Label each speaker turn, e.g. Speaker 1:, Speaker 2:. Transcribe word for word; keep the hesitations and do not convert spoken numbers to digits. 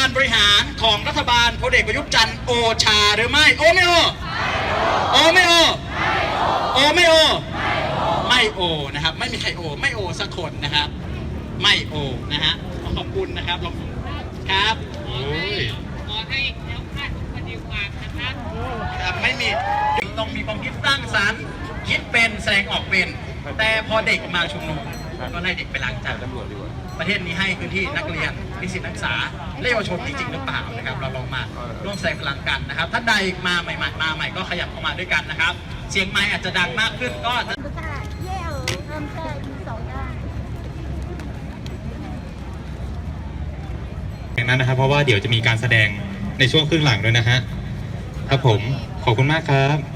Speaker 1: การบริหารของรัฐบาลพลเอกประยุทธ์จันทร์โอชาหรือไม่โอไม่โอโอไม่โอโอไม่โอไม่โอนะครับไม่มีใครโอไม่โอสักคนนะครับไม่โอนะฮะขอบคุณนะครับครับ
Speaker 2: ขอให้แล้วคาดปฏิวัตินะครับ
Speaker 1: ครับไม่มีต้องมีความคิดสร้างสรรค์คิดเป็นแสดงออกเป็นแต่พอเด็กมาชุมนุมก็ไล่เด็กไปล้างจานประเทศนี้ให้พื้นที่นักเรียนนิสิตนักศึกษาและเยาวชนจริงๆหรือเปล่านะครับเราลองมาร่วมแสดงพลังกันนะครับท่านใดมาใหม่ๆมาใหม่ก็ขยับเข้ามาด้วยกันนะครับเสียงไมค์อาจจะดังมากขึ้นก็
Speaker 3: อย่างนั้นนะครับเพราะว่าเดี๋ยวจะมีการแสดงในช่วงครึ่งหลังด้วยนะฮะครับผมขอบคุณมากครับ